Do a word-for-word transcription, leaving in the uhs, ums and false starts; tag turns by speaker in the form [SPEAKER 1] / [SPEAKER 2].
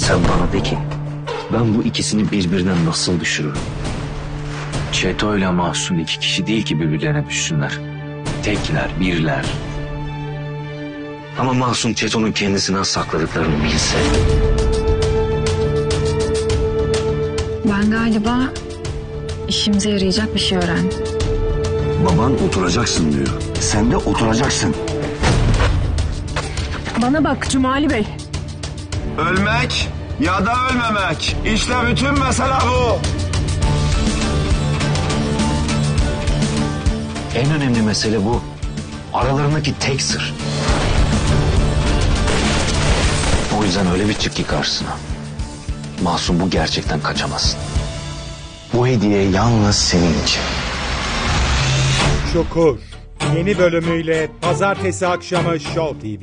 [SPEAKER 1] Sen bana de ki ben bu ikisini birbirinden nasıl düşürürüm? Çeto ile Mahsun iki kişi değil ki birbirlerine düşsünler. Tekler, birler. Ama Mahsun Çeto'nun kendisinden sakladıklarını bilse.
[SPEAKER 2] Ben galiba işimize yarayacak bir şey öğrendim.
[SPEAKER 3] Baban oturacaksın diyor. Sen de oturacaksın.
[SPEAKER 2] Bana bak Cumali Bey.
[SPEAKER 4] Ölmek ya da ölmemek. İşte bütün mesele bu.
[SPEAKER 1] En önemli mesele bu. Aralarındaki tek sır. O yüzden öyle bir çık ki karşısına. Mahsun, bu gerçekten kaçamazsın. Bu hediye yalnız senin için.
[SPEAKER 5] Şokur yeni bölümüyle pazartesi akşamı Show T V.